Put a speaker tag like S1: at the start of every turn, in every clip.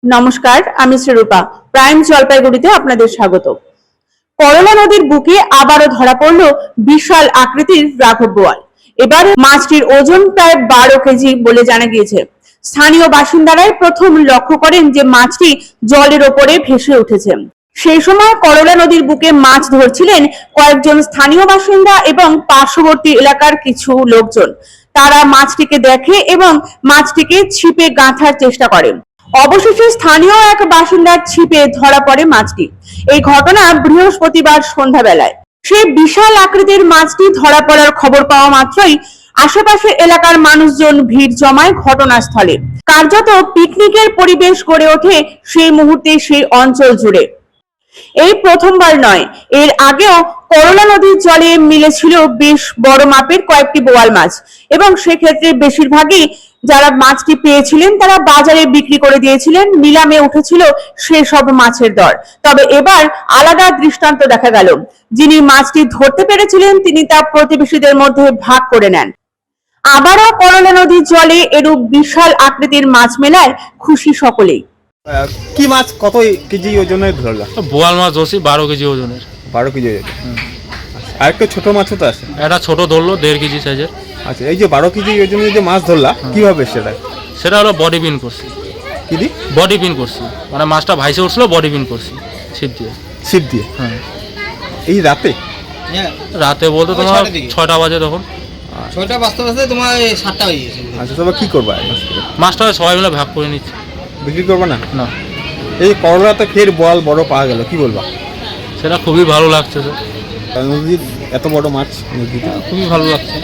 S1: নমস্কার, আমি শ্রীরূপা। প্রাইম জলপাইগুড়িতে আপনাদের স্বাগত। করলা নদীর বুকে আবারও ধরা পড়ল বিশাল আকৃতির রাঘব বোয়াল। এবার মাছটির ওজন প্রায় 12 কেজি বলে জানা গিয়েছে। স্থানীয় বাসিন্দারাই প্রথম লক্ষ্য করেন যে মাছটি জলের ওপরে ভেসে উঠেছে। সেই সময় করলা নদীর বুকে মাছ ধরছিলেন কয়েকজন স্থানীয় বাসিন্দা এবং পার্শ্ববর্তী এলাকার কিছু লোকজন। তারা মাছটিকে দেখে এবং মাছটিকে ছিপে গাঁথার চেষ্টা করেন। অবশেষে স্থানীয় এক বাসিন্দার ছিপে ধরা পড়ে মাছটি। এই ঘটনা বৃহস্পতিবার সন্ধ্যাবেলায়। সেই বিশাল আকৃতির মাছটি ধরা পড়ার খবর পাওয়া মাত্রই আশেপাশের এলাকার মানুষজন ভিড় জমায় ঘটনাস্থলে। কার্যত পিকনিকের পরিবেশ গড়ে ওঠে সেই মুহূর্তে সেই অঞ্চল জুড়ে। এই প্রথমবার নয়, এর আগেও করলা নদীর জলে মিলেছিল বেশ বড় মাপের কয়েকটি বোয়াল মাছ এবং সেক্ষেত্রে বেশিরভাগই যারা মাছটি পেয়েছিলেন তারা বাজারে বিক্রি করে দিয়েছিলেন, নিলামে উঠেছিল সেসব মাছের দর। তবে এবার আলাদা দৃষ্টান্ত দেখা গেল। যিনি মাছটি ধরতে পেরেছিলেন তিনি তা প্রতিবেশীদের মধ্যে ভাগ করে নেন। আবারও করলা নদীর জলে এরূপ বিশাল আকৃতির মাছ মেলায় খুশি সকলেই।
S2: কি মাছ কত কেজি ওজনের ধরলা?
S3: বোয়াল মাছ ধরছি 12 কেজি ওজনের।
S2: 12 কেজি ওজনের। আর একটা ছোট মাছও তো আছে।
S3: একটা ছোট ধরলো 1.5 কেজি সাইজের।
S2: আচ্ছা, এই যে 12 কেজি ওজনের যে মাছ ধরলা কিভাবে
S3: সেটা হলো বডি পিন করছি।
S2: কি দি?
S3: বডি পিন করছি, মানে মাছটা ভাইসে উঠছিল, বডি পিন করছি ছিপ দিয়ে।
S2: ছিপ দিয়ে?
S3: হ্যাঁ।
S2: এই রাতে?
S3: রাতে বলতে তোমার 6টা বাজে, তখন
S4: 6টা বাজতে বাজতে তোমার 7টা হয়ে গেছে।
S2: আচ্ছা, তবে কি করবা?
S3: মাছটা সবাই মিলে ভাগ করে নিচ্ছে।
S2: বিক্রি করবা না?
S3: না।
S2: এই করলাতে ফের বোয়াল বড় পাওয়া গেল, কি বলবা?
S3: সেটা খুবই ভালো লাগছে।
S2: নদীর এত বড় মাছ নদীতে
S3: খুবই ভালো লাগছে।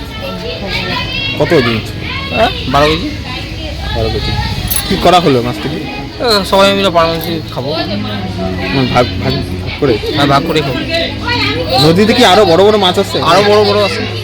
S2: কত ওজন?
S3: 12 কেজি।
S2: 12 কেজি। কি করা হলো মাছটাকে?
S3: সবাই মিলে পারমানেন্টলি খাবো।
S2: ভাগ ভাগ করে?
S3: হ্যাঁ, ভাগ করে খাবো।
S2: নদীতে কি আরো বড় বড় মাছ আছে?
S3: আরো বড় বড় আছে।